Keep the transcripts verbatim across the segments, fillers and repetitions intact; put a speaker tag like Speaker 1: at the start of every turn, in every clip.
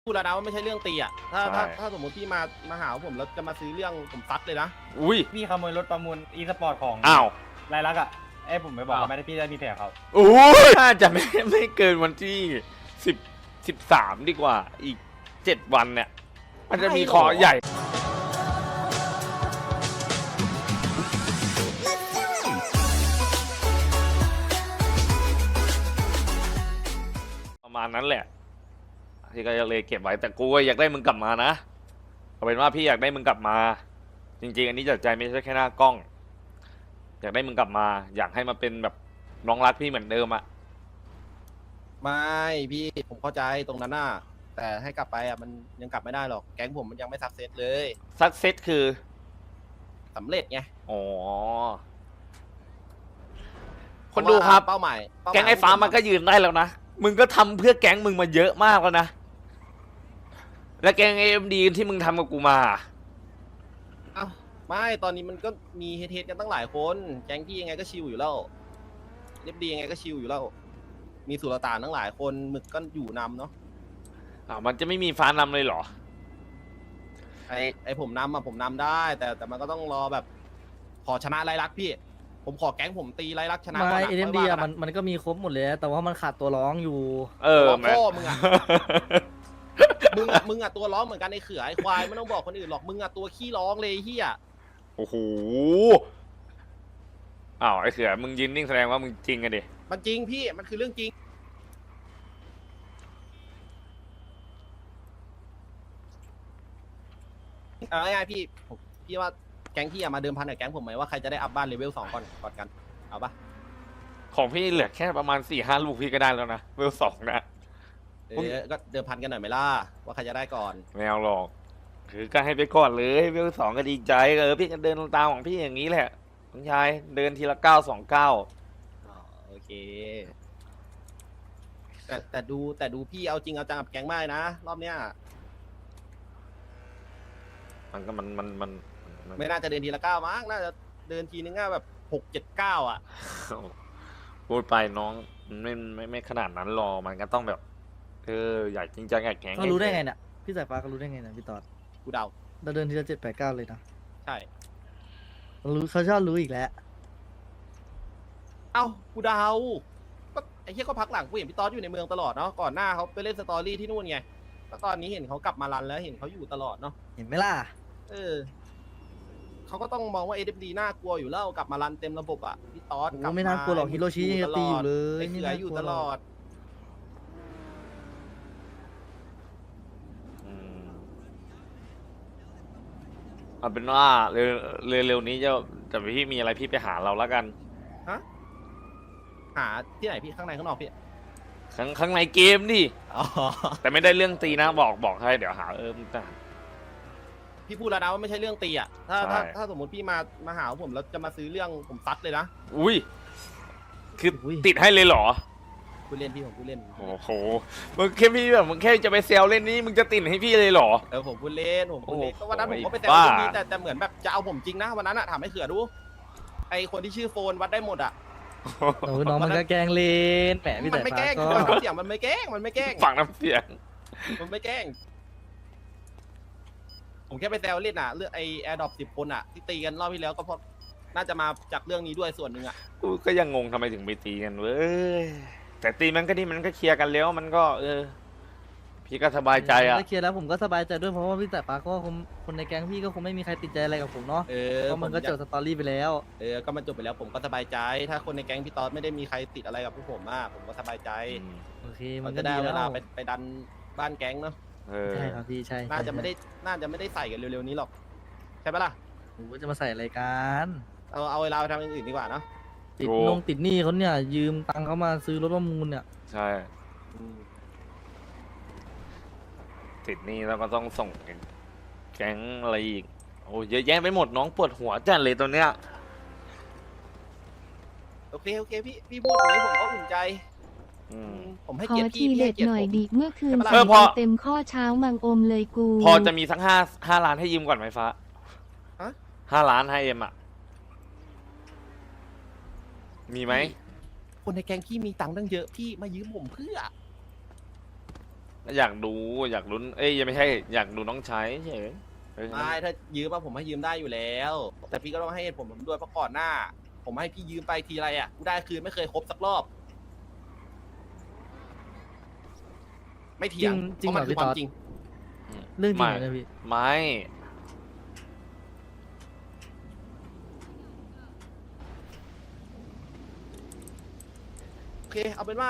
Speaker 1: พูดแล้วนะว่าไม่ใช่เรื่องตีอ่ะถ้าถ้าถ้าสมมติพี่มามาหาผมแล้วจะมาซื้อเรื่องผมซัดเลยนะ
Speaker 2: อุ้ย
Speaker 3: พี่ขโมยรถประมูลอีสปอร์ตของ
Speaker 2: อ้าว
Speaker 3: รายลักษณ์อ่ะเอ้ผมไปบอกเขาไม่ได้พี่ได้มีแผลเขา
Speaker 2: โอ้ยน่าจะไม่ไม่เกินวันที่สิบสิบสามดีกว่าอีกเจ็ดวันเนี่ยมันจะมีขอใหญ่ประมาณนั้นแหละที่ก็เลยเก็บไว้แต่กูก็อยากได้มึงกลับมานะเอาเป็นว่าพี่อยากได้มึงกลับมา จริงๆอันนี้จากใจไม่ใช่แค่หน้ากล้อง อยากได้มึงกลับมา อยากให้มาเป็นแบบน้องรักพี่เหมือนเดิมอะ
Speaker 1: ไม่พี่ผมเข้าใจตรงนั้นน่ะแต่ให้กลับไปอ่ะมันยังกลับไม่ได้หรอกแก๊งผมมันยังไม่ซักเซสเลย
Speaker 2: ซักเซสคือ
Speaker 1: สำเร็จไง
Speaker 2: อ๋อ คนดูครับ
Speaker 1: เป้าหมายเป้หมย
Speaker 2: แก๊งไอ้ฟ้ามันก็ยืนได้แล้วนะ มึงก็ทำเพื่อแก๊งมึงมาเยอะมากแล้วนะ และแก๊งเอ็มดีที่มึงทำกับกูมา
Speaker 1: เอ้าไม่ตอนนี้มันก็มีเฮดๆกันตั้งหลายคนแก๊งพี่ยังไงก็ชิลอยู่แล้วเรียบดียังไงก็ชิลอยู่แล้วมีสุลต่านตั้งหลายคนหมึกก็อยู่นำเนาะ
Speaker 2: อ่ามันจะไม่มีฟ้านำเลยเหรอ
Speaker 1: ไอไอผมนำอะผมนำได้ แต่แต่มันก็ต้องรอแบบ ขอชนะไรลักษณ์พี่ ผมขอแก๊งผมตีไรลักษณ์ชนะก่อน
Speaker 4: ไม่
Speaker 1: นะ
Speaker 4: เอ็ม
Speaker 1: ค่
Speaker 4: ดี
Speaker 1: ยว่า
Speaker 4: อะ
Speaker 1: กั
Speaker 4: มันมันก็มีครบหมดเลยแต่ว่ามันขาดตัวร้องอยู่
Speaker 2: เออ
Speaker 1: ตัว
Speaker 2: แม่
Speaker 1: พ่อมึงอะ มึงอะมึงอะตัวร้องเหมือนกันไอเขือไอควายไม่ต้องบอกคนอื่นหรอกมึงอะตัวขี้ร้องเลยเฮีย
Speaker 2: โอ้โห อ้าวไอ้เสือมึงยืนนิ่งแสดงว่ามึงจริงอะดิ
Speaker 1: มันจริงพี่มันคือเรื่องจริงเอาง่ายๆพี่ผมพี่ว่าแก๊งพี่อะมาเดิมพันกับแก๊งผมไหมว่าใครจะได้อัพบ้านเลเวลสองก่อนก่อนกันเอาปะ
Speaker 2: ของพี่เหลือแค่ประมาณสี่ห้าลูกพี่ก็ได้แล้วนะเวลสองนะ
Speaker 1: เออก็เดิมพันกันหน่อยไหมล่ะว่าใครจะได้ก่อน
Speaker 2: ไม่เอาหรอก คือก็ให้ไปก่อนเลยเวลสองก็ดีใจเออพี่ก็เดินตามของพี่อย่างนี้แหละน้องชายเดินทีละเก้าสองเก้า
Speaker 1: อ๋อโอเค แต่แต่ดูแต่ดูพี่เอาจริงเอาจังกับแก๊งมากนะ รอบเนี้ย
Speaker 2: มันก็มันมันมันมัน
Speaker 1: ไม่น่าจะเดินทีละเก้ามั้งน่าจะเดินทีนึงก็แบบหกเจ็ดเก้าอ่ะ
Speaker 2: พูดไปน้องไม่ไม่ไม่ขนาดนั้นหรอกมันก็ต้องแบบเอออยากจริงจังอยากแข็ง
Speaker 4: เขารู้ได้ไงเนี่ยพี่สายฟ้าเขารู้ได้ไงเนี่ยพี่ตอด
Speaker 1: กูเดา
Speaker 4: เราเดินทีละเจ็ดแปดเก้าเลยนะ
Speaker 1: ใช่
Speaker 4: เขารู้เขาชอบรู้อีกแล้ว
Speaker 1: เอ้ากูเดาก็ไอ้เหี้ยก็พักหลังกูเห็นพี่ต๊อดอยู่ในเมืองตลอดเนาะก่อนหน้าเขาไปเล่นสตอรี่ที่นู่นไงแล้วตอนนี้เห็นเขากลับมารันแล้วเห็นเขาอยู่ตลอดเนาะ
Speaker 4: เห็นไหมล่ะ
Speaker 1: เออเขาก็ต้องมองว่า เอ เอฟ ดี น่ากลัวอยู่แล้วกลับมารันเต็มระบบอ่ะพี่ต๊อด
Speaker 4: โอ้
Speaker 1: กลับ
Speaker 4: ไม่น่ากลัวหรอกฮิโรชิยังจะตีอยู่เลย
Speaker 1: ไอ้เขืออยู่ตลอด
Speaker 2: อืมเอาเป็นว่าเร็วเร็วเร็วนี้จะแต่พี่มีอะไรพี่ไปหาเราแล้วกัน
Speaker 1: ฮะหาที่ไหนพี่ข้างในข้างนอกพี่
Speaker 2: ข้างข้างในเกมดิ
Speaker 1: อ๋อ
Speaker 2: แต่ไม่ได้เรื่องตีนะบอกบอกให้เดี๋ยวหาเออมึงจะ
Speaker 1: พี่พูดแล้วนะว่าไม่ใช่เรื่องตีอ่ะถ้า
Speaker 2: ใช่
Speaker 1: ถ้าถ้าสมมติพี่มามาหาผมแล้วจะมาซื้อเรื่องผมซัดเลยนะ
Speaker 2: อุ้ยคือติดให้เลยเหรอ
Speaker 1: พูดเล่นพี่ผมพูดเล่น
Speaker 2: โอ้โหมึงแค่พี่แบบมึงแค่จะไปเซลเล่นนี้มึงจะติดให้พี่เลยเหรอ
Speaker 1: เออผมพูดเล่นผมพูดเล่น
Speaker 2: โอ้โห
Speaker 1: ก็วันนั้นผมก็ไปแต่
Speaker 2: บ้า
Speaker 1: คนนี้แต่แต่เหมือนแบบจะเอาผมจริงนะวันนั้นอะถามให้เขือดูไอคนที่ชื่อโฟนวัดได้หมดอะ
Speaker 4: โอ้น้องมันก็แกล้งเล่นแหมพี่
Speaker 1: มั
Speaker 4: สาย
Speaker 1: ไม่
Speaker 4: ฟ้า
Speaker 1: แกล้ง
Speaker 4: ก็
Speaker 1: น้ำเสียงมันไม่แกล้งมันไม่แกล้ง
Speaker 2: ฝั่งน้ำเสียง
Speaker 1: มันไม่แกล้งผมแค่ไปแซวเล่นอะเรื่องไอแอร์ดรอปสิบคนอะที่ตีกันรอบที่แล้วก็เพราะน่าจะมาจากเรื่องนี้ด้วยส่วนหนึ่งอะ
Speaker 2: กูก็ยังงงทำไมถึงไปตีกันเว้ยแต่ตีมันก็ดีมันก็เคลียร์กันแล้วมันก็ เออ พี่ก็สบายใจอ่ะ
Speaker 4: ถ้าเคลียร์แล้วผมก็สบายใจด้วยเพราะว่าพี่สายฟ้าก็คงคนในแก๊งพี่ก็คงไม่มีใครติดใจอะไรกับผมเนาะ
Speaker 1: เออ
Speaker 4: เพราะมันก็
Speaker 1: ผ
Speaker 4: จบสตอรี่ไปแล้ว
Speaker 1: เออก็มันจบไปแล้วผมก็สบายใจ ถ้าคนในแก๊งพี่ต๊อดไม่ได้มีใครติดอะไรกับพวกผมมากผมก็สบายใจ
Speaker 4: โอเค
Speaker 1: มั
Speaker 4: มัน น
Speaker 1: จะ
Speaker 4: ก็
Speaker 1: ได้
Speaker 4: ดี
Speaker 1: เว
Speaker 4: แล้ว
Speaker 1: ลาไปไปดันบ้านแก๊งเนาะ
Speaker 2: เออ
Speaker 4: ใช่ครับพี่ใช่
Speaker 1: น่าจะไม่ได้น่าจะไม่ได้ใส่กันเร็วๆนี้หรอกใช่ปะล่ะ
Speaker 4: ผมก็จะมาใส่อะไรกัน
Speaker 1: เอาเอาเวลาไปทำอย่างอื่นดีกว่าเนาะ
Speaker 4: ติดนงติดหนี้เขาเนี่ยยืมตังค์เขามาซื้อรถประมูลเนี่ย
Speaker 2: ใช่
Speaker 1: อืม
Speaker 2: ติดหนี่แล้วก็ต้องส่งแก๊งอะไรอีกโอ้เยอะแยะไปหมดน้องปวดหัวจัดเลยตัวเนี้ย
Speaker 1: โอเคโอเคพี่พี่พูดตรงนี้ผมก็อุ่นใจ
Speaker 2: อืม
Speaker 1: ผมให้
Speaker 5: ขอ
Speaker 1: เกียรติ
Speaker 5: ที
Speaker 1: พี่พี่
Speaker 5: เด็
Speaker 1: ให้
Speaker 5: ด
Speaker 1: เกียรติ
Speaker 5: หน่อย
Speaker 1: ผม
Speaker 5: ดิเมื่อคืน
Speaker 1: ใช่ปะล่ะ
Speaker 5: ใส่
Speaker 2: เออพอ
Speaker 5: ไปเต็มข้อเช้ามังอมเลยกู
Speaker 2: พอจะมีสักห้าห้าล้านให้ยืมก่อนไหมฟ้า
Speaker 1: ฮะ
Speaker 2: ห้าล้านให้เอ็มอ่ะ มีไหม
Speaker 1: คนในแก๊งพี่มีตังค์ตั้งเยอะพี่มายืมผมเพื่อ
Speaker 2: อยากดูอยากลุ้นเอ้ยยังไม่ใช่อยากดูน้องชายเฉยเอ้ย
Speaker 1: ไม่ถ้ายืมมาผมให้ยืมได้อยู่แล้ว แต่พี่ก็ต้องให้เหตุผลผมด้วยเพราะก่อนหน้า ผมให้พี่ยืมไปทีไรอ่ะกูได้คืนไม่เคยครบสักรอบ ไม่เถียง
Speaker 4: จริง
Speaker 1: เพราะมัน
Speaker 4: จริ
Speaker 1: คื
Speaker 4: ง
Speaker 1: อ
Speaker 4: เหรอ
Speaker 1: ความจริง
Speaker 4: เรื่องจริง
Speaker 2: ไม่
Speaker 4: เหรอเนี่ยพี่
Speaker 2: ไม่
Speaker 1: โอเค เอาเป็นว่า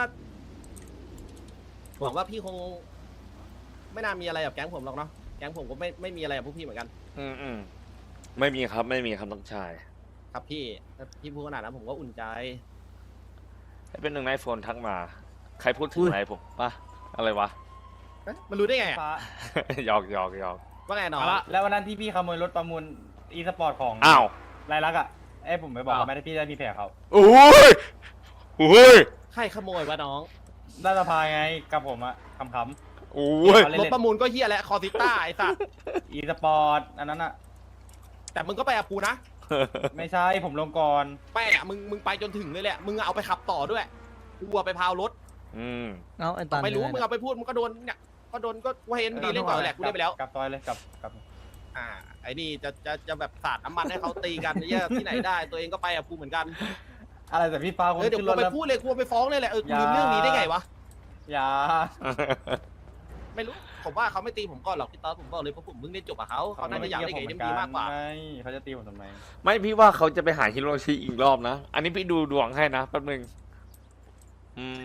Speaker 1: หวังว่าพี่คง ไม่น่ามีอะไรกับแก๊งผมหรอกเนาะแก๊งผมก็ไม่ไม่มีอะไรกับพวกพี่เหมือนกัน
Speaker 2: อืมอืมไม่มีครับไม่มีครับน้องชาย
Speaker 1: ครับพี่ถ้าพี่พูดขนาดนั้นผมก็อุ่นใจ
Speaker 2: ให้เป็นหนึ่งในโฟนทักมา ใครพูดถึงอะไรผมปะอะไรวะ
Speaker 1: เอ๊ะมันรู้ได้ไงอะ
Speaker 3: ฟ้า
Speaker 2: หยอกหยอกหยอก
Speaker 1: ว่าไงน้อง
Speaker 3: แล้ววันนั้นที่พี่ขโมยรถประมูลอีสปอร์ตของ
Speaker 2: อ้าว
Speaker 3: รายลักษณ์อ่ะไอ้ผมไปบอกเขาไม่ได้พี่ได้มีแผลเขา
Speaker 2: โอ้ยโอ้ย
Speaker 1: ใครขโมยวะน้อง
Speaker 3: ได้สภาไงกับผมอะคำค
Speaker 2: โอ้ย
Speaker 3: เล่น
Speaker 1: รถประมูลก็เฮียแหละคอร์ติต้าไอ้สัส
Speaker 3: ำอีสปอร์ตอันนั้นอะ
Speaker 1: แต่มึงก็ไปกับกูนะ
Speaker 3: ไม่ใช่ผมลงก่อน
Speaker 1: ไปอ่ะมึงมึงไปจนถึงเลยแหละ มึงเอาไปขับต่อด้วยกูเอาไปพาวรถ
Speaker 2: อืม
Speaker 4: เอาไอ้ตัน
Speaker 1: ไม่รู้
Speaker 4: ยัง
Speaker 1: มึ
Speaker 4: ง
Speaker 1: งเอาไปพูดมึงก็โดนเนี่ยก็โดนก็กูเห็นดีเล่นก่อนแหละกูเล่นไปแล้ว
Speaker 3: กลับซอยเลยกลับกลับ
Speaker 1: อ่าไอ้นี่จะจะจะแบบสาดน้ำมันให้เขาตีกันเหี้ยที่ไหนได้ตัวเองก็ไปกับกูเหมือนกัน
Speaker 3: อะไรแต่พี่ฟ้าคน
Speaker 1: เออเดี๋ยว
Speaker 3: ขึ้น
Speaker 1: กู
Speaker 3: รถ
Speaker 1: ไป
Speaker 3: แล้ว
Speaker 1: พูดเลยกูไปฟ้องเลยแหละเออกู
Speaker 3: อย่า
Speaker 1: ลืมเรื่องนี้ได้ไงวะ
Speaker 3: อย่า
Speaker 1: ไม่รู้ผมว่าเขาไม่ตีผมก่อนหรอกพี่ต๊อดผมบอกเลยเพราะผมเพิ่งได้จบกับเขาเขาน่าจะอยากได้เกมดีมากกว่า
Speaker 3: ไม่เขาจะตีผมทำไม
Speaker 2: ไม่พี่ว่าเขาจะไปหาฮิโรชิอีกรอบนะ อันนี้พี่ดูดวงให้นะแป๊บนึงอืม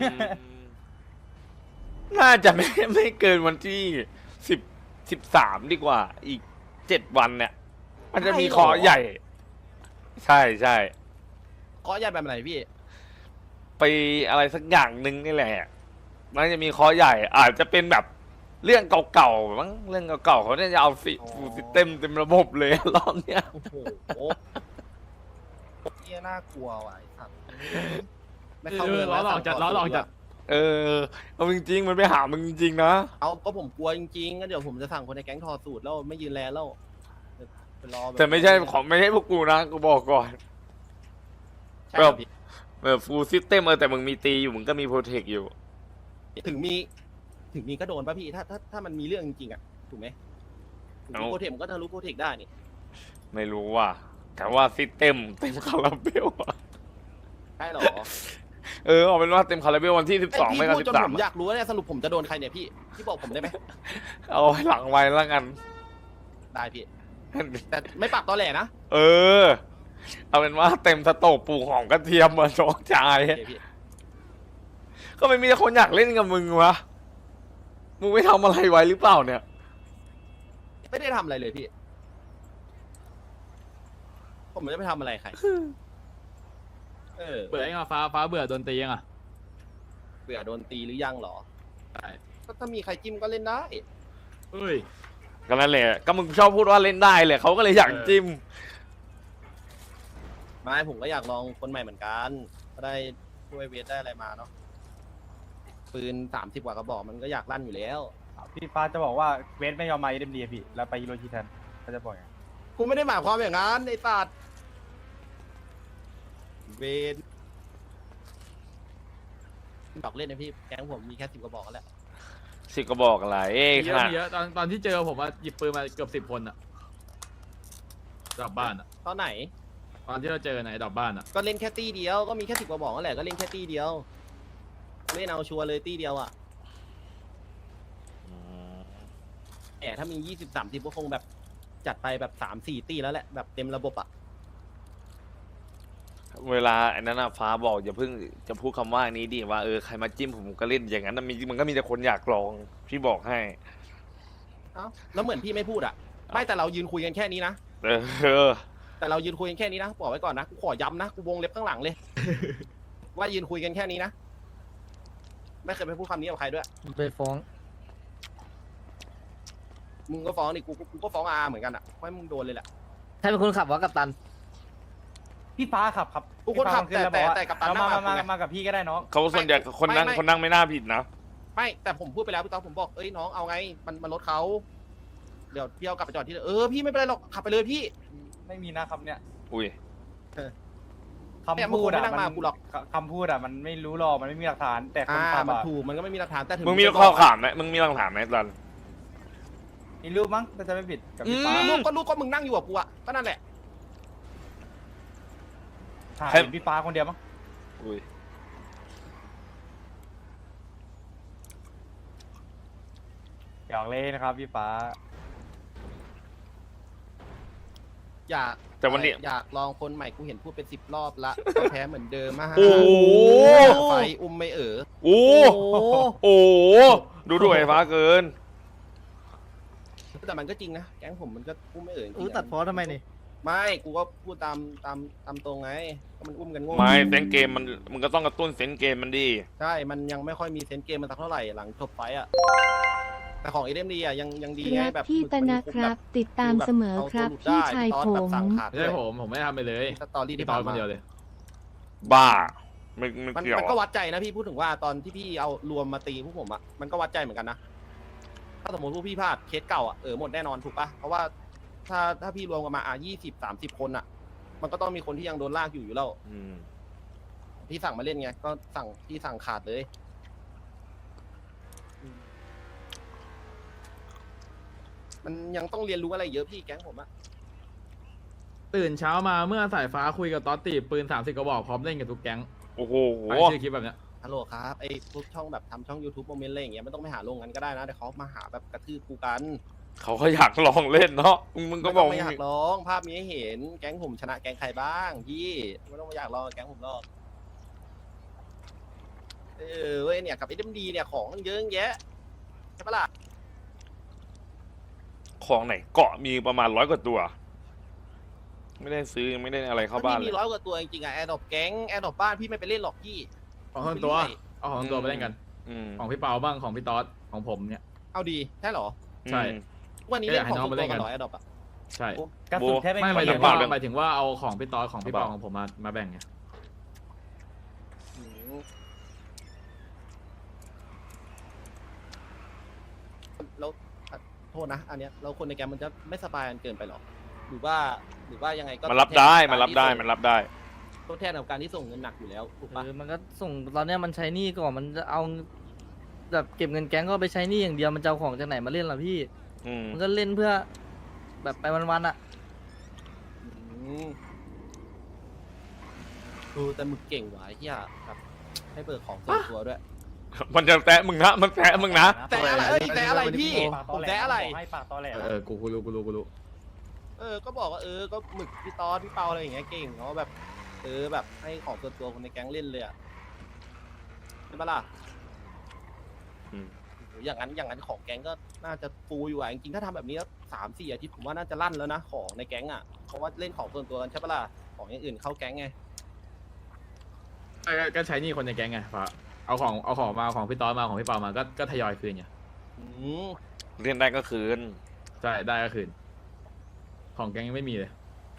Speaker 2: น่าจะไม่ไม่เกินวันที่สิบสิบสามดีกว่า อีกเจ็ดวันเนี่ย มันจะมี
Speaker 1: ใช่เหรอ
Speaker 2: ขอใหญ่ ใช่ใช่
Speaker 1: เคาะยันแบบไหนพี่
Speaker 2: ไปอะไรสักอย่างหนึ่งนี่แหละมันจะมีขอใหญ่ อาจจะเป็นแบบเรื่องเก่าๆมั้งเรื่องเก่าๆเขาเนี่ยจะเอาฟิฟูซิเต็มเต็มระบบเลย รอบเนี้ย
Speaker 1: โอ้โหเฮียน่ากลัวว่ะไอ้สัตว์ไม่เข้า
Speaker 6: เอ
Speaker 1: เมื
Speaker 6: อ
Speaker 1: อง
Speaker 6: ล้อ
Speaker 1: แล้ว
Speaker 6: หลอกจัดล้อหลอกจัด
Speaker 2: เออเอาจริงๆมันไปหามึงจริงๆนะ
Speaker 1: เอาก็ผมกลัวจริงๆก็เดี๋ยวผมจะสั่งคนในแก๊งทอสูตรแล้วไม่ยืนแลแล้วไปรอบบ
Speaker 2: แต่ไม่ใช่ของไม่ใช่พวกกูนะกูบอกก่อน
Speaker 1: ใช่ครับพี่
Speaker 2: แบบฟูลซิสเต็มเออแต่มึงมีตีอยู่มึงก็มีโปรเทคอยู่
Speaker 1: ถึงมี ถึงมีก็โดนป่ะพี่ถ้าถ้าถ้ามันมีเรื่องจริงๆอ่ะถูกไหมถึงมี
Speaker 2: เอา
Speaker 1: โปรเทคมันก็ทะลุโปรเทคได้นี่
Speaker 2: ไม่รู้ว่า แต่ว่าซิสเต็มเต็มคาราเบลอะ
Speaker 1: ใช่หรอ
Speaker 2: เออเอาเป็นว่าเต็มคาราเบลวันที่สิบสอง
Speaker 1: ไอ้
Speaker 2: ไม่
Speaker 1: พี่
Speaker 2: ก็
Speaker 1: พูด
Speaker 2: สิ
Speaker 1: จน
Speaker 2: บสา
Speaker 1: ผม มอยากรู้เนี่ยสรุปผมจะโดนใครเนี่ยพี่พี่บอกผมได้ไหม
Speaker 2: เอาไว้หลังไว้แล้วกัน
Speaker 1: ได้พี่ แต่ไม่ปากตอแหลนะ
Speaker 2: เออ เอาเป็นว่าเต็มสโตกปลูกหอมกระเทียมมาโชกชาย
Speaker 1: โอเคพี่
Speaker 2: ก็ไม่มีคนอยากเล่นกับมึงวะมึงไม่ทำอะไรไว้หรือเปล่าเนี่ย
Speaker 1: ไม่ได้ทำอะไรเลยพี่ ผมไม่ได้ไปทำอะไรใคร เออ
Speaker 6: เบื่อยังอ่ะฟ้าฟ้าเบื่อโดนตียังอ่ะ
Speaker 1: เบื่อโดนตีหรือยังเหรอ
Speaker 6: ใช่
Speaker 1: ก็ถ้ามีใครจิ้มก็เล่นได้
Speaker 6: เอ้ย
Speaker 2: ก็นั่นแหละก็มึงชอบพูดว่าเล่นได้เลยเขาก็เลยอยากจิ้ม
Speaker 1: ไม่ผมก็อยากลองคนใหม่เหมือนกันก็ได้ช่วยเวทได้อะไรมาเนาะ ปืนสามสิบกว่ากระบอกมันก็อยากลั่นอยู่แล้ว
Speaker 3: พี่ฟ้าจะบอกว่าเวสไม่ยอมมาเอ็มดีพี่แล้วไปฮิโรชิแทนเขาจะบอกอย่าง
Speaker 1: กูไม่ได้หมายความอย่างนั้นไอ้สัตว์เวนบอกเล่นนะพี่ แก๊งผมมีแค่สิบกระบอกแล้ว
Speaker 2: สิก็บอกอะไรเอ้ย
Speaker 6: มี
Speaker 2: ข
Speaker 6: เยอะ
Speaker 2: นาด
Speaker 6: มีเยอะตอนตอนที่เจอผมว่าหยิบปืนมาเกือบสิบคนอ่ะดอกบ้านอ่ะ
Speaker 1: ตอนไหน
Speaker 6: ตอนที่เราเจอไหนดอกบ้านอ่ะ
Speaker 1: ก็เล่นแค่ตี้เดียว ก็มีแค่สิบกระบอกนั่นแหละ ก็เล่นแค่ตี้เดียว เล่นเอาชัวร์เลยตี้เดียวอ่ะแต่ถ้ามียี่สิบสามสิบก็คงแบบจัดไปแบบสามสี่ตี้แล้วแหละ แบบเต็มระบบอ่ะ
Speaker 2: เวลาไอ้นั้นน่ะฟ้าบอกอย่าเพิ่งจะพูดคำว่านี้ดิว่าเออใครมาจิ้มผมก็เล่นอย่างนั้นนะมีมันก็มีแต่คนอยากลองพี่บอกให้
Speaker 1: เอ้าแล้วเหมือนพี่ไม่พูดอ่ะ ไม่แต่เรายืนคุยกันแค่นี้นะ
Speaker 2: เออ
Speaker 1: แต่เรายืนคุยกันแค่นี้นะบอกไว้ก่อนนะ กูขอย้ำนะ กูวงเล็บข้างหลังเลย ว่ายืนคุยกันแค่นี้นะ ไม่เคยไปพูดคำนี้กับใครด้วย
Speaker 4: ไปฟ้อง
Speaker 1: มึงก็ฟ้องดิกูกูก็ฟ้องอาเหมือนกันอ่ะเพราะมึงโดนเลยแหละ
Speaker 4: ใครเป็นคนขับวะกัปตัน
Speaker 3: พี่ฟ้าขับครับ
Speaker 1: กูคนขับ
Speaker 3: พี่ฟ้า
Speaker 1: แต่
Speaker 3: ขึ้นล้วอกว่า
Speaker 1: แต่แต่กับตัน
Speaker 3: เอามา
Speaker 1: นั่ง
Speaker 3: มา
Speaker 1: กับกูไง
Speaker 3: มามากับพี่ก็ได้น้อง
Speaker 2: เขาส่วนใหญ่คนนั่ง
Speaker 1: ไม่ไม่
Speaker 2: คนนั่งไม่น่าผิดนะ
Speaker 1: ไม่แต่ผมพูดไปแล้วพี่ต๊อกผมบอกเอ้ยน้องเอาไง มันมันรถเขาเดี๋ยวพี่เอากลับไปจอดที่เดิมเออพี่ไม่เป็นไรหรอกขับไปเลยพี่
Speaker 3: ไม่มีนะครับเนี่ย
Speaker 2: อุ้ย
Speaker 3: คำพูด
Speaker 1: ไม่
Speaker 3: อะ
Speaker 1: นั่งมากูหรอก
Speaker 3: คำพูดอะมันไม่รู้หรอกมันไม่มีหลักฐาน แต่คน
Speaker 1: อ่า
Speaker 3: ทำ
Speaker 1: มัน
Speaker 3: อะ
Speaker 1: ถูกมันก็ไม่มีหลักฐานแต่ถึง
Speaker 2: มึงมี
Speaker 1: จะบ
Speaker 2: ข้อ
Speaker 1: อก
Speaker 2: ขามไหมมึงมีหลักฐานไหมตอน
Speaker 3: มีรูปมั้งถ้าจะไม่ผิดกับพี่ฟ้า
Speaker 1: ลูกก็ลูกก็มึงนั่งอยู่กับกูอะก็นั่นแหละ
Speaker 3: ถ่าย
Speaker 2: ใคร
Speaker 3: เห็นพี่ฟ้าคนเดียวมั้ง
Speaker 2: อุ้ย
Speaker 3: หยอกเล่นนะครับพี่ฟ้า
Speaker 1: อยาก
Speaker 2: แต่วันนี้
Speaker 1: อยากลองคนใหม่กูเห็นพูดเป็นสิบรอบละก็แพ้เหมือนเดิมอะ
Speaker 2: โอ้โห
Speaker 1: ไฟอุ้มไม่เอ๋อ
Speaker 2: โอ้
Speaker 4: โอ้
Speaker 2: โอ้ดูดูไอ้ฟ้าเกิน
Speaker 1: แต่มันก็จริงนะแก๊งผมมันก็อุ้มไม่เอ๋อจริงๆ
Speaker 4: เออตัดพอทำไมนี่
Speaker 1: ไม่กูก็พูดตามตามตามตรงไงก็มันอุ้มกันโง่
Speaker 2: ไม่เซนเกมมันมึงก็ต้องกระตุ้นเซนเกมมันดี
Speaker 1: ใช่มันยังไม่ค่อยมีเซนส์เกมมันสักเท่าไหร่หลังจบไฟต์อะแต่ของเอ็มดีอะยังยังดีไง
Speaker 5: รัก
Speaker 1: แบบ
Speaker 5: พี่
Speaker 1: มึง
Speaker 5: ตนะ
Speaker 1: มึง
Speaker 5: ครับ
Speaker 1: แ
Speaker 5: ติดตามเสมอครับ
Speaker 1: เอาตัวหลุด
Speaker 5: พี่
Speaker 1: ได้
Speaker 5: ชาย
Speaker 1: พี่ตอ
Speaker 5: ผ
Speaker 1: สแบบ
Speaker 5: ม
Speaker 1: สั่งขาด
Speaker 6: ไม่ใช่ผมผมไม่ได้ทำไปเลย
Speaker 1: สตอรี่
Speaker 6: พี่
Speaker 1: ที่
Speaker 6: ตอ
Speaker 1: ผ่าน
Speaker 6: นค
Speaker 1: มาน
Speaker 6: เดียวเลย
Speaker 2: บ้าไม่ไม่
Speaker 1: มัน
Speaker 2: เกี่ยว
Speaker 1: มันก็วัดใจนะพี่พูดถึงว่าตอนที่พี่เอารวมมาตีพวกผมอะมันก็วัดใจเหมือนกันนะถ้าสมมติพวกพี่พลาดเคสเก่าอะเออหมดแน่นอนถูกปะเพราะว่าถ้าถ้าพี่รวมกันมาอ่ะยี่สิบสามสิบคนอะมันก็ต้องมีคนที่ยังโดนลากอยู่อยู่แล้ว
Speaker 2: อืม
Speaker 1: พี่สั่งมาเล่นไงก็สั่งพี่สั่งขาดเลยมันยังต้องเรียนรู้อะไรเยอะพี่แก๊งผมอะ
Speaker 6: ตื่นเช้ามาเมื่อสายฟ้าคุยกับต๊อตตีปืนสามสิบกระบอกพร้อมเล่นกับทุกแก๊ง
Speaker 2: โอ้โห
Speaker 6: ไปชื่อคลิปแบบเนี้ย
Speaker 1: ฮัลโหลครับไอ้พวกช่องแบบทำช่อง YouTube โมเมนต์อะไรอย่างเงี้ยไม่ต้องไปหาลงกันก็ได้นะแต่เขามาหาแบบกระทืบกูกัน
Speaker 2: เขาก็อยากลองเล่นเนาะมึงก็
Speaker 1: ไม่
Speaker 2: บ
Speaker 1: ต้
Speaker 2: อ
Speaker 1: อก งไปอยากร้องภาพมีให้เห็นแก๊งผมชนะแก๊งใครบ้างพี่ไม่ต้องไปอยากร้องแก๊งผมหรอกเออเว้ยเนี่ยกับไอ้เดมดีเนี่ยของมันเยอะแยะใช่ปะล่ะ
Speaker 2: ของไหนเกาะมีประมาณร้อยกว่าตัว ไม่ได้ซื้อยังไม่ได้อะไรเข้าบ้าน
Speaker 1: มัน
Speaker 2: เล
Speaker 1: มี
Speaker 2: ย
Speaker 1: ร้อยกว่าตัวจริงๆอะแอร์ดอปแก๊งแอร์ดอปบ้านพี่ไม่ไปเล่นหรอกพี่
Speaker 6: ของทั้งตัว เอาของทั้งตัวไปเล่นกัน
Speaker 2: อืม
Speaker 6: ของพี่เปาบ้างของพี่ต๊อดของผมเนี่ย
Speaker 1: เอาดีใช่เหรอ
Speaker 6: ใช่
Speaker 2: อืม
Speaker 1: วันนี้
Speaker 6: เอ้ย
Speaker 1: เล่นของ
Speaker 6: ให้น้อง
Speaker 1: ตัว
Speaker 6: มาเล่นกั
Speaker 1: กัน นเหรอแอร์ดอปอะ
Speaker 6: ใช่
Speaker 3: กระสุนแค่ไม่
Speaker 6: ไม่หมาย
Speaker 3: มี
Speaker 6: ถึง
Speaker 2: เปล่
Speaker 6: ว่า
Speaker 2: เดี๋ยว
Speaker 6: หมายถึงว่าเอาของพี่ต๊อดของพี่
Speaker 2: เป
Speaker 6: เปา
Speaker 2: ล่า
Speaker 6: ของผมมามาแบ่งไง
Speaker 1: อืมแล้วอ่ะโทษนะอันเนี้ยเราคนในแก๊งมันจะไม่สบายกันเกินไปหรอหรือว่าหรือว่ายังไงก็
Speaker 2: มันรับได้
Speaker 1: ทดแท
Speaker 2: มันรับได้
Speaker 1: กาที่ส่ง
Speaker 2: มันรับได้
Speaker 1: ทดแทนกับการที่ส่งเงินหนักอยู่แล้วถูกปะ
Speaker 4: เออมันก็ส่งตอนเนี้ยมันใช้หนี้ก่อนมันจะเอาแบบเก็บเงินแก๊งก็ไปใช้หนี้อย่างเดียวมันจะเอาของจากไหนมาเล่นล่ะพี่
Speaker 2: อืม
Speaker 4: มันก็เล่นเพื่อ แบบไปวันๆอ่ะ
Speaker 1: อืมดูแต่มึงเก่งว่ะไอ้เฮียแบบให้เบิกของส่วนตัวด้วย
Speaker 2: มันจะแตะมึงนะมันแตะมึงนะ
Speaker 1: แต่อะไรเอ้ยแต่อะไรพี่
Speaker 3: ปากต
Speaker 1: ผ
Speaker 3: อ
Speaker 1: ม
Speaker 3: แหล
Speaker 1: แต่อะไร
Speaker 3: ให้ปากตอแหล
Speaker 6: เออเออกูกูรู้กูรู้กูรู้
Speaker 1: เออก็บอกว่าเออก็หมึกพี่ตอสพี่เปาอะไรอย่างเงี้ยเก่งเขาแบบเออแบบให้ของส่วนตัวคนในแก๊งเล่นเลยอะใช่ปะล่ะ
Speaker 2: อืม
Speaker 1: โหอย่างนั้นอย่างนั้นของแก๊งก็น่าจะฟูอยู่อะจริงๆถ้าทำแบบนี้แล้วสามสี่อาทิตย์ผมว่าน่าจะลั่นแล้วนะของในแก๊งอะเพราะว่าเล่นของส่วนตัวกันใช่ปะล่ะของอย่างอื่นเข้าแก๊งไง
Speaker 6: ก็ก็ก็ใช้หนี่คนในแก๊งไงฟ้าเอาของเอาของมาเอาของพี่ต๊อดมาของพี่เปามาก็ก็ทยอยคืนไง
Speaker 1: อืม
Speaker 2: เล่นได้ก็คืน
Speaker 6: ใช่ได้ก็คืน ของแก๊งยังไม่มีเลย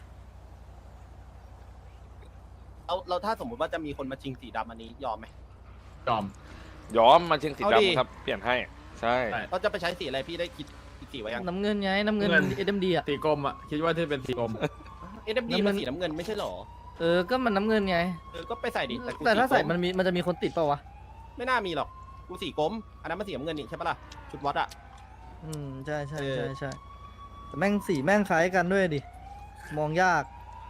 Speaker 1: เราเราถ้าสมมติว่าจะมีคนมาชิงสีดำอันนี้ยอมไหม
Speaker 6: ยอม
Speaker 2: ยอมมาเชิงสี
Speaker 1: เอาดิ
Speaker 2: ดำครับ เปลี่ยนให้ ใช่
Speaker 6: ใช่
Speaker 1: เราจะไปใช้สีอะไรพี่ได้คิดอีกสีไว้ยัง
Speaker 4: น้ำเงินไงน้ำเงิน
Speaker 6: เงิน
Speaker 4: เอ็มดีอ่ะ
Speaker 6: สีกลมอ่ะคิดว่าที่เป็นสีกลม
Speaker 1: เอ็มดี
Speaker 4: น้ำเงิ
Speaker 1: มัน นสีน้ำเงินไม่ใช่หรอ
Speaker 4: เออก็มันน้ำเงินไง
Speaker 1: เออก็ไปใส่ดิแต่กู
Speaker 4: แต่ถ้าใส่
Speaker 1: กร
Speaker 4: มันมีมันจะมีคนติดเปล่าวะ
Speaker 1: ไม่น่ามีหรอกกูสีกรมอันนั้นมันสีน้ำเงินนี่ใช่ปะล่ะชุดวัดอะ
Speaker 4: อืมใช่ใช่
Speaker 1: เออ
Speaker 4: ใช่ใช่แต่แม่งสีแม่งคล้ายกันด้วยดิมองยาก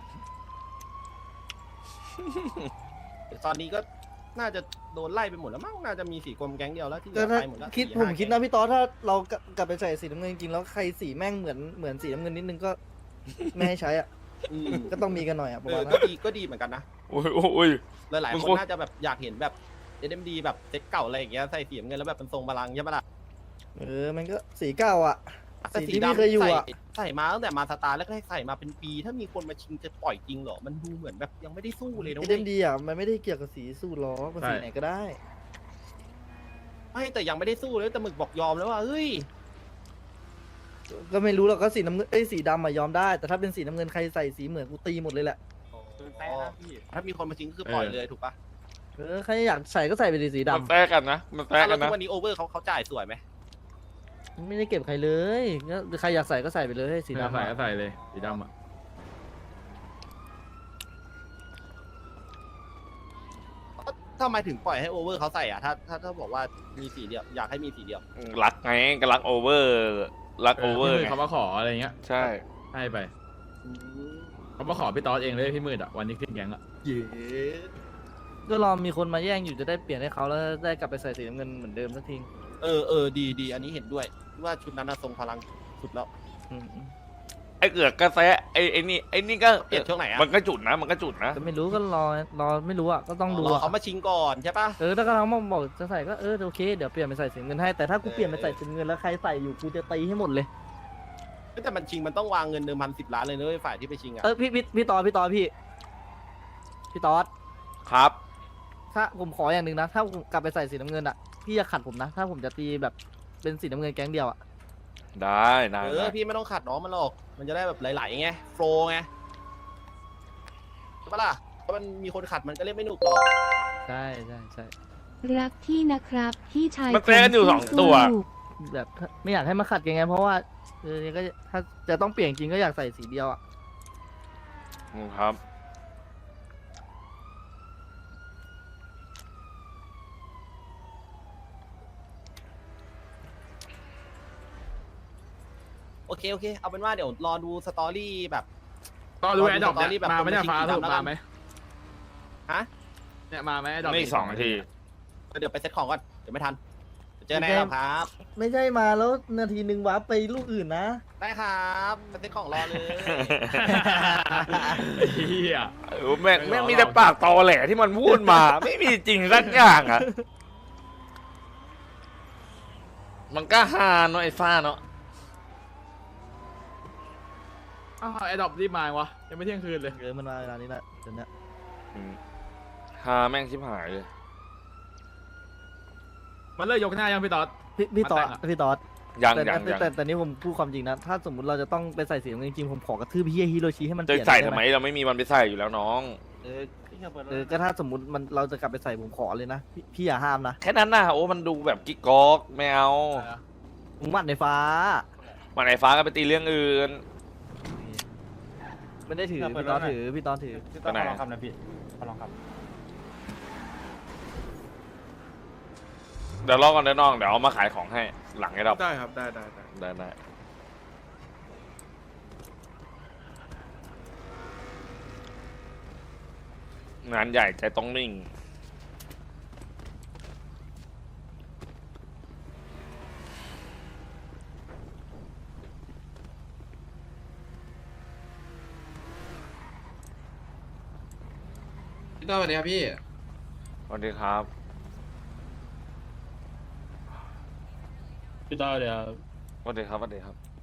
Speaker 1: ตอนนี้ก็น่าจะโดนไล่ไปหมดแล้วมั้งน่าจะมีสีกรมแก๊งเดียวแล้วที่เหลื
Speaker 4: ก็
Speaker 1: อ
Speaker 4: ถ้า
Speaker 1: ไปหมดแล้ว
Speaker 4: คิด
Speaker 1: สี่
Speaker 4: ผม
Speaker 1: ห้า
Speaker 4: คิด
Speaker 1: แก๊
Speaker 4: นะ
Speaker 1: ง
Speaker 4: พี่ต๊อดถ้าเรากลับไปใส่สีน้ำเงินจริงๆแล้วใครสีแม่งเหมือนเหมือนสีน้ำเงินนิดนึงก็ ไม่ให้ใช้อ่ะ
Speaker 1: อืม
Speaker 4: ก็ต้องมีกันหน่อยอ่ะประ
Speaker 1: เอ
Speaker 4: มา
Speaker 1: อ
Speaker 4: ณนั้
Speaker 1: ก็
Speaker 4: น
Speaker 1: ดีก็ดีเหมือนกันนะ
Speaker 2: โอ้ยโอ้ย
Speaker 1: หลาย
Speaker 2: มึง
Speaker 1: ๆค
Speaker 2: โคน ตร
Speaker 1: น่าจะแบบอยากเห็นแบบเอ็มดีแบบเซ็ตเก่าอะไรอย่างเงี้ยใส่สีน้ำเงินแล้วแบบเป็นทรงบาลังก์ใช่ปะล่ะ
Speaker 4: เออมันก็สีเก้าอ่ะ
Speaker 1: แต่
Speaker 4: สีที่พี่เคยอยู่อ่ะ
Speaker 1: ใส่ใส่มาตั้งแต่มาสตาร์แรกๆใส่มาเป็นปีถ้ามีคนมาชิงจะปล่อยจริงเหรอมันดูเหมือนแบบยังไม่ได้สู้เลยนะ
Speaker 4: เอ็
Speaker 1: เว้
Speaker 4: ม
Speaker 1: ย
Speaker 4: ดีอ่ะมันไม่ได้เกี่ยวกับสีสูตรล้อมันสี
Speaker 6: ใช่
Speaker 4: ไหนก็ได้
Speaker 1: ไม่แต่ยังไม่ได้สู้เลยแต่หมึกบอกยอมแล้วว่าเฮ้ย
Speaker 4: ก็ไม่รู้หรอกก็สีน้ำเงินเอ้ยสีดำอ่ะยอมได้ แต่ถ้าเป็นสีน้ำเงินใครใส่สีเหมือนกูตีหมดเลยแหละ
Speaker 3: แต่นะพี่
Speaker 1: ถ้ามีคนมาชิงก็คือปล่อยเลยถูกปะ
Speaker 4: เออใครอยากใส่ก็ใส่ไปดิสี
Speaker 2: มัน
Speaker 4: ดำ
Speaker 2: แตะกันนะ มันแตะ
Speaker 1: อ่ะ
Speaker 2: กั
Speaker 1: แล้
Speaker 2: น
Speaker 1: วทุ
Speaker 2: นะ
Speaker 1: กวันนี้โอเวอร์เขาเขาจ่ายสวยไหม
Speaker 4: ไม่ได้เก็บใครเลยก็ใครอยากใส่ก็ใส่ไปเลยสี
Speaker 6: สีดำ
Speaker 4: ดำ
Speaker 6: ใส่
Speaker 4: อะ
Speaker 6: ก็ใส่เลยสีดำอ่ะ
Speaker 1: ทำไมถึงปล่อยให้โอเวอร์เขาใส่อ่ะถ้าถ้าถ้าบอกว่ามีสีเดียวอยากให้มีสีเดียว
Speaker 2: รักไงก็รักโอเวอร์รักโอเวอร์
Speaker 6: พี่มืด
Speaker 2: ไง
Speaker 6: เขามาขออะไรเงี้ย
Speaker 2: ใช่
Speaker 6: ให้ไปเขามาขอพี่ตอสเองเลยพี่มืดอ่ะวันนี้ขึ้นแก๊งอ่ะ
Speaker 1: เย้
Speaker 4: ก็รอมีคนมาแย่งอยู่จะได้เปลี่ยนให้เขาแล้วได้กลับไปใส่สีน้ำเงินเหมือนเดิมสักที
Speaker 1: เออเออดีดีอันนี้เห็นด้วยว่าชุดนั้นน่ะทรงพลังสุดแล้ว
Speaker 4: อืม
Speaker 2: ไอ้เกือกกระแสไอ้ไอ้นี่ไอ้นี่ก็
Speaker 1: เปลี่ยนช่วงไหนอะ
Speaker 2: มันก็จุดนะมันก็จุดนะ
Speaker 4: ก็ไม่รู้ก็รอรอไม่รู้อ่ะก็ต้องดู
Speaker 1: รอ
Speaker 4: อ่ะ
Speaker 1: เขามาชิงก่อนใช่ปะ
Speaker 4: เออถ้าเขามาบอกจะใส่ก็เออโอเคเดี๋ยวเปลี่ยนไปใส่สีน้ำเงินให้แต่ถ้ากู
Speaker 1: เออ
Speaker 4: เปลี่ยนไปใส่สีน้ำเงินแล้วใครใส่อยู่กูจะตีให้หมดเลย
Speaker 1: แต่มันชิงมันต้องวางเงินเดิมพันสิบล้านเลยนะเว้ยฝ่ายที่ไปชิงอ่ะ
Speaker 4: เออพี่พี่พี่ตอดพี่ตอดพี่พี่ตอด
Speaker 2: ครับ
Speaker 4: ถ้าผมขออย่างหนึ่งนะ ถ้าผมกลับไปใส่สีน้ำเงินอ่ะพี่อย่าขัดผมนะ ถ้าผมจะตีแบบเป็นสีน้ำเงินแก๊งเดียวอ่ะ
Speaker 2: ได้ได้
Speaker 1: เอ
Speaker 2: ได้
Speaker 1: อพี่ไม่ต้องขัดน้องมันหรอกมันจะได้แบบไหลๆไงโฟล์ไงใช่ปะล่ะเพราะมันมีคนขัดมันก็เล่นไม่หนุกหรอก
Speaker 4: ใช่ใช่ใช่
Speaker 5: รักพี่นะครับพี่ชาย
Speaker 2: มันแปลกันอยู่สองตัว
Speaker 5: สู้
Speaker 4: แบบไม่อยากให้มาขัดกันไงเพราะว่าเออก็ถ้าจะต้องเปลี่ยนจริงก็อยากใส่สีเดียวอ่ะ
Speaker 2: อืมครับ
Speaker 1: โอเคโอเคเอาเป็นว่าเดี๋ยวรอดูสตอรี่แบบ
Speaker 6: ตอสดูแอดดอป
Speaker 1: ตอนนี้
Speaker 6: เนี่ย
Speaker 1: แบบ
Speaker 6: มาไหมเนี่ย
Speaker 1: คนมา
Speaker 6: ฟ้า
Speaker 1: ชิง
Speaker 6: สรุป
Speaker 1: แล้วกั
Speaker 6: มาน ไหม
Speaker 1: ฮะ
Speaker 6: เนี่ยมาไหมแอดดอป
Speaker 2: ไม่อีกสองนาที
Speaker 1: เดี๋ยวไปเซ็ตของก่อนเดี๋ยวไม่ทันเจอแน่แล้วครับ
Speaker 4: ไม่ใช่มาแล้วนาทีหนึ่งวาร์ปไปลูกอื่นนะ
Speaker 1: ได้ครับไปเซ็ตของรอเลย
Speaker 6: เฮีย
Speaker 2: เออแม่งแม่งมีแต่ปากตอแหลที่มันพูดมา ไม่มีจริงสักอย่างอ่ะ มันก็ฮาเนาะไอ้ฟ้าเนาะ
Speaker 6: อ้าวแอดดอปรีบมายวะยังไม่เที่ยงคืนเลย
Speaker 4: เออมันมาเวลานี้แหละเดี๋ยวนี้
Speaker 2: อืมฮาแม่งชิบหายเลย
Speaker 6: มันเลิกยกหน้ายังพี่ตอส
Speaker 4: พี่พี่ตอด
Speaker 6: มาแต่งอะ
Speaker 4: พี่ตอด
Speaker 2: ยัง
Speaker 4: แต่
Speaker 2: ยัง
Speaker 4: แต่
Speaker 2: ยัง
Speaker 4: แต่แต่นี่ผมพูดความจริงนะ ถ้าสมมติเราจะต้องไปใส่สีน้ำเงินจริงๆผมขอกระทืบพี่ฮิโรชิให้มันเป
Speaker 2: จะ
Speaker 4: ลี่ยน
Speaker 2: ใส่
Speaker 4: ด้
Speaker 2: ทำไม
Speaker 4: ห
Speaker 2: เราไม่มีวันไปใส่อยู่แล้วน้อง
Speaker 4: เออเออก็ถ้าสมมติมันเราจะกลับไปใส่ผมขอเลยนะพี่พี่อย่าห้ามนะ
Speaker 2: แค่นั้นน่ะโอ้มันดูแบบกิ๊กก๊อกไม่เอา
Speaker 4: ผมหมัดในฟ้า
Speaker 2: มันไอ้ฟ้าก็ไปตีเรื่องอื่น
Speaker 4: ไม่ได้ถือพี่ตอดถือพี่ตอดถือ
Speaker 3: พี่ตอส
Speaker 2: ไปไหน
Speaker 3: ขอลองคำนะพี่ขอลองคำ
Speaker 2: เดี๋ยวรอก่อนเดี๋ยวน้องเดี๋ยวเอามาขายของให้หลังไอ้ดอก
Speaker 7: ได้ครับ ได้ได้ได้
Speaker 2: ได้ได้งานใหญ่ใจต้องนิ่ง
Speaker 7: พี่ต้อสวัสดีครับพี่
Speaker 2: สวัสดีครับ
Speaker 3: พี่ตอสเดี๋ยว
Speaker 2: สวัสดีครับสวัสดีครับ